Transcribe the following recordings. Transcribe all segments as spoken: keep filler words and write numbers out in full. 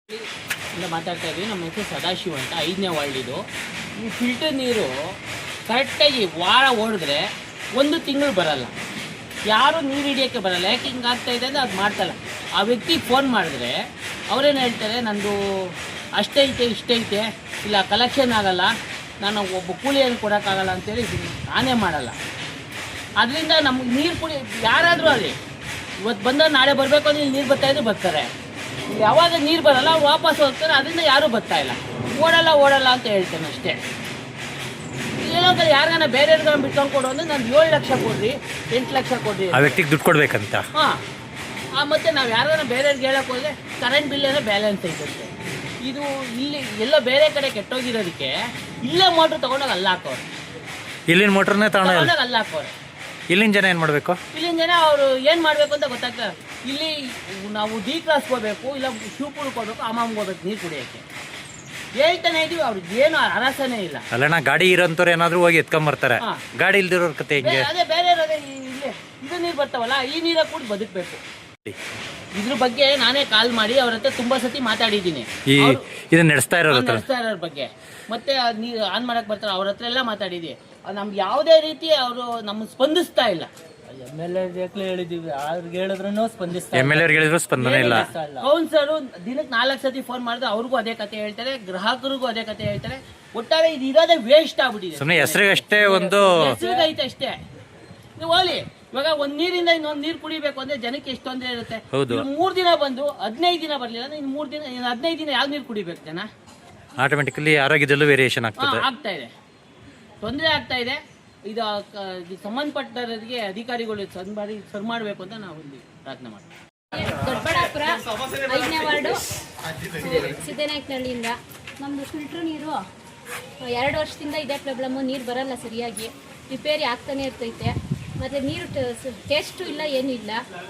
ಇಂದ ಮಾತಾಡ್ತಾ ಇದ್ವಿ. ನಮ್ಮ ಹೆಸರು ಸದಾಶಿವ ಅಂತ, ಐದನೇ ವಾರ್ಡ್ ಇದು. ಈ ಫಿಲ್ಟರ್ ನೀರು ಕರೆಕ್ಟಾಗಿ ವಾರ ಓಡಿದ್ರೆ ಒಂದು ತಿಂಗಳು ಬರಲ್ಲ, ಯಾರೂ ನೀರು ಹಿಡಿಯೋಕ್ಕೆ ಬರಲ್ಲ. ಯಾಕೆ ಹಿಂಗೆ ಆಗ್ತಾ ಇದೆ ಅಂದರೆ ಅದು ಮಾಡ್ತಲ್ಲ. ಆ ವ್ಯಕ್ತಿಗೆ ಫೋನ್ ಮಾಡಿದ್ರೆ ಅವರೇನು ಹೇಳ್ತಾರೆ, ನಂದು ಅಷ್ಟೈತೆ ಇಷ್ಟೈತೆ, ಇಲ್ಲ ಕಲೆಕ್ಷನ್ ಆಗಲ್ಲ, ನಾನು ಒಬ್ಬ ಕೂಲಿಯನ್ನು ಕೊಡೋಕ್ಕಾಗಲ್ಲ ಅಂತೇಳಿ ನಾನೇ ಮಾಡಲ್ಲ. ಅದರಿಂದ ನಮ್ಗೆ ನೀರು ಕುಡಿ ಯಾರಾದರೂ ಅಲ್ಲಿ ಇವತ್ತು ಬಂದಾಗ ನಾಳೆ ಬರಬೇಕು ಅಂದರೆ ನೀರು ಬರ್ತಾಯಿದ್ರು ಬರ್ತಾರೆ, ಯಾವಾಗ ನೀರು ಬರಲ್ಲ ವಾಪಸ್ ಹೋಗ್ತಾರೆ. ಅದರಿಂದ ಯಾರೂ ಬರ್ತಾ ಇಲ್ಲ, ಓಡಲ್ಲ ಓಡಲ್ಲ ಅಂತ ಹೇಳ್ತೇನೆ ಅಷ್ಟೇ. ಏನಂದ್ರೆ ಯಾರಿಗಾನ ಬೇರೆಯವ್ರಿಗಾನ ಬಿಟ್ಕೊಂಡು ಕೊಡು ಅಂದರೆ ನಾನು ಏಳು ಲಕ್ಷ ಕೊಡ್ರಿ, ಎಂಟು ಲಕ್ಷ ಕೊಡ್ರಿ, ಆ ವ್ಯಕ್ತಿಗೆ ದುಡ್ಡು ಕೊಡ್ಬೇಕಂತ. ಹಾಂ, ಮತ್ತು ನಾವು ಯಾರಿಗಾನ ಬೇರೆಯವ್ರಿಗೆ ಹೇಳೋಕೆ ಹೋದರೆ ಕರೆಂಟ್ ಬಿಲ್ ಏನೋ ಬ್ಯಾಲೆನ್ಸ್ ಐತಂತೆ. ಇದು ಇಲ್ಲಿ ಎಲ್ಲೋ ಬೇರೆ ಕಡೆ ಕೆಟ್ಟೋಗಿರೋದಕ್ಕೆ ಇಲ್ಲೇ ಮೋಟ್ರ್ ತೊಗೊಂಡೋಗಿ ಅಲ್ಲಿ ಹಾಕೋರು, ಇಲ್ಲಿನ ಮೋಟ್ರನ್ನೇ ತಗೊಂಡೋಗಿ ಅಲ್ಲಿ ಹಾಕೋರು. ಇಲ್ಲಿನ ಜನ ಏನು ಮಾಡಬೇಕು? ಇಲ್ಲಿನ ಜನ ಅವರು ಏನು ಮಾಡಬೇಕು ಅಂತ ಗೊತ್ತಾಗ್ತದೆ. ಇಲ್ಲಿ ನಾವು ಡಿ ಕ್ರಾಸ್ ಹೋಗ್ಬೇಕು, ಇಲ್ಲ ಶಿವಪುರಕ್ಕೆ ಹೋಗ್ಬೇಕು, ಅಮ್ಮಮ್ಗೆ ಹೋಗ್ಬೇಕು ನೀರು ಕುಡಿಯೋಕ್ಕೆ ಹೇಳ್ತಾನೆ ಇದೀವಿ. ಅವ್ರಿಗೆ ಏನು ಅರಸನೇ ಇಲ್ಲ. ಅಲ್ಲಣ್ಣ, ಗಾಡಿ ಇರೋಂಥವ್ರು ಏನಾದರೂ ಹೋಗಿ ಎತ್ಕೊಂಬರ್ತಾರೆ, ಗಾಡಿ ಇಲ್ದಿರೋರ್ ಕತೆ ಹೆಂಗೆ? ಅದೇ ಬೇರೆ ಅದೇ ಇಲ್ಲಿ ಇದು ನೀರು ಬರ್ತಾವಲ್ಲ, ಈ ನೀರಾಗ ಕೂಡ ಬದುಕಬೇಕು. ಇದ್ರ ಬಗ್ಗೆ ನಾನೇ ಕಾಲ್ ಮಾಡಿ ಅವ್ರ ಹತ್ರ ತುಂಬಾ ಸತಿ ಮಾತಾಡಿದ್ದೀನಿ, ಈ ಇದನ್ನ ನಡೆಸ್ತಾ ಇರೋರ ನಡೆಸ್ತಾ ಇರೋರ ಬಗ್ಗೆ. ಮತ್ತೆ ನೀರು ಆನ್ ಮಾಡಕ್ ಬರ್ತಾರೆ, ಅವ್ರ ಹತ್ರ ಎಲ್ಲ ಮಾತಾಡಿದ್ವಿ. ನಮ್ಗೆ ಯಾವುದೇ ರೀತಿ ಅವರು ನಮ್ಗೆ ಸ್ಪಂದಿಸ್ತಾ ಇಲ್ಲ. ಎಮ್ ಎಲ್ ಎ ಹೇಳಿದೀವಿ, ಅವ್ರಿಗೆ ಹೇಳಿದ್ರು ಸ್ಪಂದಿಸ್ತಾ ಎಮ್ ಎಲ್ ಎ ಹೇಳಿದ್ರು ಸ್ಪಂದನೆ ಇಲ್ಲ. ಕೌನ್ಸರು ದಿನಕ್ಕೆ ನಾಲ್ಕು ಸತಿ ಫೋನ್ ಮಾಡಿದ್ರೆ ಅವ್ರಿಗೂ ಅದೇ ಕತೆ ಹೇಳ್ತಾರೆ, ಗ್ರಾಹಕರಿಗೂ ಅದೇ ಕತೆ ಹೇಳ್ತಾರೆ. ಒಟ್ಟಾರೆ ಇದು ಇರೋದೇ ವೇಸ್ಟ್ ಆಗ್ಬಿಟ್ಟಿದೆ. ಸುಮ್ಮನೆ ಹೆಸರಿಗಷ್ಟೇ ಒಂದು ಹೆಸರಿಗೈತೆ ಅಷ್ಟೇ. ನೀವು ಹೋಗ್ಲಿ, ಇವಾಗ ಒಂದ್ ನೀರಿಂದ ಇನ್ನೊಂದು ನೀರು ಕುಡಿಬೇಕು ಅಂದ್ರೆ ಜನಕ್ಕೆ ಎಷ್ಟು ತೊಂದರೆ ಇರುತ್ತೆ. ಮೂರ್ ದಿನ ಬಂದು ಹದಿನೈದು ದಿನ ಬರ್ಲಿಲ್ಲ ಅಂದ್ರೆ ಇನ್ನು ಮೂರ್ ದಿನ ಹದಿನೈದು ದಿನ ಯಾವ ನೀರು ಕುಡಿಬೇಕು ಜನ? ಆಟೋಮೆಟಿಕಲಿ ಆರೋಗ್ಯದಲ್ಲೂ ವೇರಿಯೇಷನ್ ಆಗ್ತದೆ, ಆಗ್ತಾ ಇದೆ, ತೊಂದರೆ ಆಗ್ತಾ ಇದೆ. ಇದು ಸಂಬಂಧಪಟ್ಟವರಿಗೆ ಅಧಿಕಾರಿಗಳು ಸರ್ ಮಾಡಿ ಸರ್ ಮಾಡಬೇಕು ಅಂತ ನಾವು ಇಲ್ಲಿ ಪ್ರಾರ್ಥನೆ ಮಾಡ್ತೀವಿ. ದೊಡ್ಡಬಳ್ಳಾಪುರ ಐದನೇ ವಾರ್ಡು ಸಿದ್ದನಾಯಕನಹಳ್ಳಿಯಿಂದ. ನಮ್ಮದು ಫಿಲ್ಟ್ರ್ ನೀರು ಎರಡು ವರ್ಷದಿಂದ ಇದೇ ಪ್ರಾಬ್ಲಮ್ಮು, ನೀರು ಬರಲ್ಲ ಸರಿಯಾಗಿ, ರಿಪೇರಿ ಆಗ್ತಾನೆ ಇರ್ತೈತೆ. ಮತ್ತು ನೀರು ಟೇಸ್ಟು ಇಲ್ಲ, ಏನೂ ಇಲ್ಲ.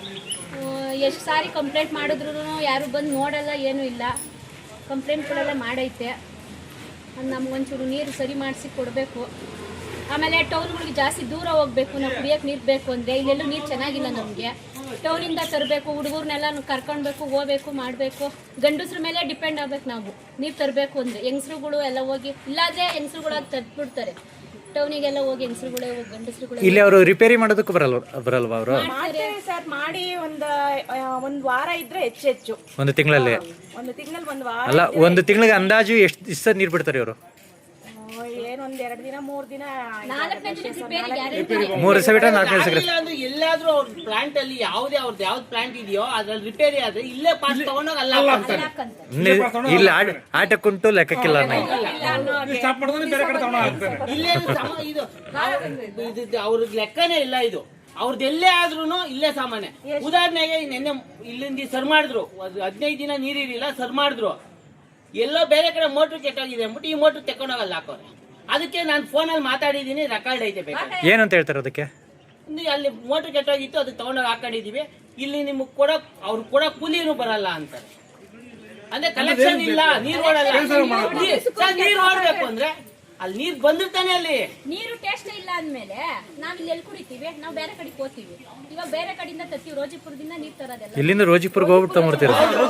ಎಷ್ಟು ಸಾರಿ ಕಂಪ್ಲೇಂಟ್ ಮಾಡಿದ್ರು ಯಾರು ಬಂದು ನೋಡಲ್ಲ, ಏನೂ ಇಲ್ಲ. ಕಂಪ್ಲೇಂಟ್ಗಳೆಲ್ಲ ಮಾಡೈತೆ. ನಮಗೊಂಚೂರು ನೀರು ಸರಿ ಮಾಡಿಸಿ ಕೊಡಬೇಕು. ಆಮೇಲೆ ಟೌನ್ಗಳಿಗೆ ಜಾಸ್ತಿ ದೂರ ಹೋಗಬೇಕು, ನಾವು ಕುಡಿಯೋಕ್ಕೆ ನೀರು ಬೇಕು ಅಂದರೆ. ಇಲ್ಲೆಲ್ಲೂ ನೀರು ಚೆನ್ನಾಗಿಲ್ಲ ನಮಗೆ. ಟೌನಿಂದ ತರಬೇಕು, ಹುಡುಗರನ್ನೆಲ್ಲ ಕರ್ಕೊಳ್ಬೇಕು, ಹೋಗ್ಬೇಕು, ಮಾಡಬೇಕು. ಗಂಡಸ್ರ ಮೇಲೆ ಡಿಪೆಂಡ್ ಆಗ್ಬೇಕು ನಾವು ನೀರು ತರಬೇಕು ಅಂದರೆ. ಹೆಂಗಸ್ರುಗಳು ಎಲ್ಲ ಹೋಗಿ, ಇಲ್ಲಾಂದರೆ ಹೆಂಗಸ್ರುಗಳಾಗಿ ತರ್ಬಿಡ್ತಾರೆ. ಟೌನಿಗೆಲ್ಲ ಹೋಗಿ ಹೆಂಗಸ್ರುಗಳೇ ಹೋಗಿ ಗಂಡಸ್ರುಗಳು. ಇಲ್ಲಿ ಅವರು ರಿಪೇರಿ ಮಾಡೋದಕ್ಕೆ ಬರಲ್ಲ ಬರಲ್ವಾ ಅವರು? ಸರ್ ಮಾಡಿ ಒಂದು ಒಂದು ವಾರ ಇದ್ರೆ ಹೆಚ್ಚು ಹೆಚ್ಚು ಒಂದು ತಿಂಗಳಲ್ಲಿ ಒಂದು ತಿಂಗಳಲ್ಲಿ ಒಂದು ವಾರ ಅಲ್ಲ, ಒಂದು ತಿಂಗಳಿಗೆ ಅಂದಾಜು ಎಷ್ಟು ದಿವಸ ನೀರು ಬಿಡ್ತಾರೆ ಇವರು? ಏನೊಂದ್ ಎರಡು ದಿನ ಮೂರ್ ದಿನ ನಾಲ್ಕನೇ ದಿನ ರಿಪೇರಿ ಗ್ಯಾರಂಟಿ. ಮೂರು ದಿವಸ ಬಿಟ್ಟರೆ ನಾಲ್ಕು ದಿವಸ. ಎಲ್ಲಾದ್ರೂ ಅವ್ರ ಪ್ಲಾಂಟ್ ಅಲ್ಲಿ ಯಾವುದೇ ಅವ್ರದ್ದು ಯಾವ್ದು ಪ್ಲಾಂಟ್ ಇದೆಯೋ ಅದ್ರಲ್ಲಿ ರಿಪೇರಿ ಆದ್ರೆ ಇಲ್ಲೇ ಪಾಸ್ ತಗೊಂಡೋಗಿ ಅಲ್ಲ ಇಲ್ಲಿ ಆಟಕ್ಕುಂಟು ಲೆಕ್ಕಕ್ಕಿಲ್ಲ. ಇಲ್ಲೇ ಇದು ಅವ್ರಿಗೆ ಲೆಕ್ಕನೇ ಇಲ್ಲ. ಇದು ಅವ್ರದ್ದು ಎಲ್ಲೇ ಆದ್ರೂ ಇಲ್ಲೇ ಸಾಮಾನ್ಯ. ಉದಾಹರಣೆಗೆ ನಿನ್ನೆ ಇಲ್ಲಿಂದ ಸರ್ ಮಾಡಿದ್ರು, ಹದಿನೈದು ದಿನ ನೀರಿರಲಿಲ್ಲ, ಸರ್ ಮಾಡಿದ್ರು. ಎಲ್ಲೋ ಬೇರೆ ಕಡೆ ಮೋಟ್ರ್ ಕೆಟ್ಟೋಗಿದೆ ಅಂದ್ಬಿಟ್ಟು ಈ ಮೋಟ್ರ್ ತೆಕೊಂಡೋಗಲ್ಲ ಹಾಕೋರೆ. ಅದಕ್ಕೆ ನಾನು ಫೋನಲ್ಲಿ ಮಾತಾಡಿದ್ದೀನಿ, ರೆಕಾರ್ಡ್ ಐತೆ. ಬೇಕು ಏನಂತ ಹೇಳ್ತಾರೆ ಅದಕ್ಕೆ? ಅಲ್ಲಿ ಮೋಟ್ರ್ ಕೆಟ್ಟೋಗಿತ್ತು, ಅದಕ್ಕೆ ತಗೊಂಡೋಗಿ ಹಾಕೊಂಡಿದೀವಿ. ಇಲ್ಲಿ ನಿಮ್ಗೆ ಕೊಡಕ್ ಅವ್ರು ಕೊಡೋ ಕೂಲಿನೂ ಬರಲ್ಲ ಅಂತಾರೆ. ಅಂದ್ರೆ ಕಲೆಕ್ಷನ್ ಇಲ್ಲ, ನೀರು ಓಡಲ್ಲ. ನೀರು ಓಡಬೇಕು ಅಂದ್ರೆ ಅಲ್ಲಿ ನೀರು ಬಂದಿರ್ತಾನೆ. ಅಲ್ಲಿ ನೀರು ಟೇಸ್ಟ್ ಇಲ್ಲ ಅಂದ್ಮೇಲೆ ನಾವ್ ಇಲ್ಲಿ ಎಲ್ಲಿ ಕುಡಿತೀವಿ? ನಾವು ಬೇರೆ ಕಡೆಗೆ ಹೋಗ್ತೀವಿ. ಇವಾಗ ಬೇರೆ ಕಡೆಯಿಂದ ತರ್ತೀವಿ, ರೋಜಿಪುರದಿಂದ ನೀರು ತರೋದೆಲ್ಲ. ಇಲ್ಲಿಂದ ರೋಜಿಪುರ್ಗೆ ಹೋಗ್ಬಿಟ್ಟು ತಗೊಂಡ್ಬಿಡ್ತೀರ?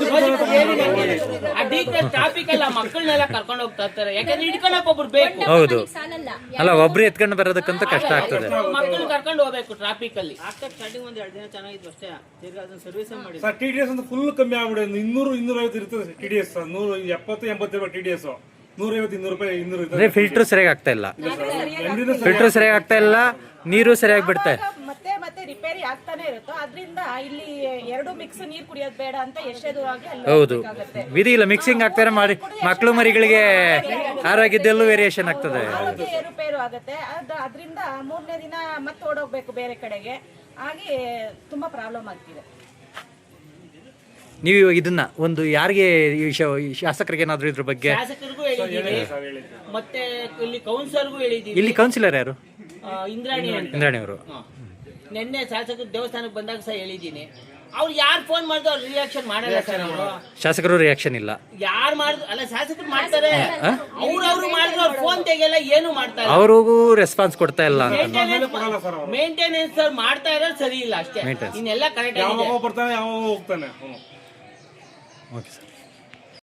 ಟ್ರಾಫಿಕ್ ಎಲ್ಲ ಮಕ್ಕಳನ್ನೆಲ್ಲ ಕರ್ಕೊಂಡು ಹೋಗ್ತಾ ಇರ್ತಾರೆ, ಯಾಕಂದ್ರೆ ಹಿಡ್ಕೊಳಕ್ ಒಬ್ರು ಬೇಕು. ಹೌದು, ಸಾಲಲ್ಲ. ಅಲ್ಲ ಒಬ್ರು ಎತ್ಕೊಂಡು ಬರೋದಕ್ಕಂತ ಕಷ್ಟ ಆಗ್ತದೆ. ಮಕ್ಕಳು ಕರ್ಕೊಂಡು ಹೋಗ್ಬೇಕು ಟ್ರಾಫಿಕ್ ಅಲ್ಲಿ. ಸ್ಟಾರ್ಟಿಂಗ್ ಒಂದ್ ಎರಡು ದಿನ ಚೆನ್ನಾಗಿತ್ತು ಅಷ್ಟೇ, ಸರ್ವಿಸ್ ಮಾಡಿ. ಸರ್ ಟಿ ಡಿ ಎಸ್ ಅಂತ ಫುಲ್ ಕಮ್ಮಿ ಆಗ್ಬಿಡುತ್ತೆ. ಇನ್ನೂರು ಇನ್ನೂರ ಐವತ್ತು ಇರ್ತದೆ ಟಿ ಡಿ ಎಸ್. ನೂರ ಎಪ್ಪತ್ತು ಎಂಬತ್ತು ರೂಪಾಯಿ ಟಿ ಡಿ ಎಸ್, ನೂರೈವತ್ತು ಇನ್ನೂರು ರೂಪಾಯಿ ಇನ್ನೂರು ಇರ್ತದೆ. ಫಿಲ್ಟರ್ ಸರಿಯಾಗಿ ಆಗ್ತಾ ಇಲ್ಲ, ಫಿಲ್ಟರ್ ಸರಿಯಾಗಿ ಆಗ್ತಾ ಇಲ್ಲ, ನೀರು ಸರಿಯಾಗಿ ಬಿಡ್ತಾ ಮತ್ತೆ ಮತ್ತೆ ರಿಪೇರಿ ಆಗ್ತಾನೆ ಇರುತ್ತೋ. ಅದ್ರಿಂದ ಇಲ್ಲಿ ಎರಡು ಮಿಕ್ಸ್ ನೀರ್ ಕುಡಿಯೋದು ಬೇಡ ಅಂತ ಎಷ್ಟೇ ದೂರ ಆಗಿ ಅಲ್ಲಿ ಹೌದು, ವಿಧಿ ಇಲ್ಲ. ಮಿಕ್ಸಿಂಗ್ ಆಗ್ತಾರೆ ಮಾಡಿ ಮಕ್ಕಳು ಮರಿಗಳಿಗೆ ಆರೋಗ್ಯದಲ್ಲೂ ವೇರಿಯೇಷನ್ ಆಗ್ತದೆ, ಏರುಪೇರು ಆಗುತ್ತೆ. ಅದ್ ಅದ್ರಿಂದ ಮೂರನೇ ದಿನ ಮತ್ತೆ ಓಡೋಗ್ಬೇಕು ಬೇರೆ ಕಡೆಗೆ, ಹಾಗೆ ತುಂಬಾ ಪ್ರಾಬ್ಲಮ್ ಆಗ್ತಿದೆ. ನೀವು ಇದನ್ನ ಒಂದು ಯಾರಿಗೆ ಶಾಸಕರಿಗೆ ಏನಾದ್ರು ಇದ್ರ ಬಗ್ಗೆ? ಶಾಸಕರಿಗೂ ಹೇಳಿದ್ದೀವಿ, ಮತ್ತೆ ಇಲ್ಲಿ ಕೌನ್ಸಿಲರ್ಗೂ ಹೇಳಿದ್ದೀವಿ. ಇಲ್ಲಿ ಕೌನ್ಸಿಲರ್ ಯಾರು? ಇಂದ್ರಾಣಿ ಅಂತ. ಇಂದ್ರಾಣಿ ಅವರು. ನಿನ್ನೆ ಶಾಸಕರು ದೇವಸ್ಥಾನಕ್ಕೆ ಬಂದಾಗ ಸಹ ಹೇಳಿದ್ದೀನಿ. ಅವ್ರು ಯಾರು ಫೋನ್ ಮಾಡಿದ್ರು ಅವ್ರು ರಿಯಾಕ್ಷನ್ ಮಾಡಲ್ಲ ಸರ್. ಅವರು ಶಾಸಕರು ರಿಯಾಕ್ಷನ್ ಇಲ್ಲ. ಯಾರು ಮಾಡಿದ್ರು ಅಲ್ಲ, ಶಾಸಕರು ಮಾಡ್ತಾರೆ, ಅವ್ರವ್ರು ಮಾಡಿದ್ರು ಅವ್ರು ಫೋನ್ ತೆಗೆಯಲ್ಲ, ಏನು ಮಾಡ್ತಾರೆ. ಅವ್ರಿಗೂ ರೆಸ್ಪಾನ್ಸ್ ಕೊಡ್ತಾ ಇಲ್ಲ. ಮೇಂಟೆನೆನ್ಸ್ ಸರ್ ಮಾಡ್ತಾ ಇರೋದು ಸರಿ ಇಲ್ಲ ಅಷ್ಟೇ, ಇನ್ನೆಲ್ಲ ಕರೆಕ್ಟ್ ಆಗಿದೆ. ಯಾವಾಗ ಬರ್ತಾನೆ ಯಾವಾಗ ಹೋಗ್ತಾನೆ. Okay sir.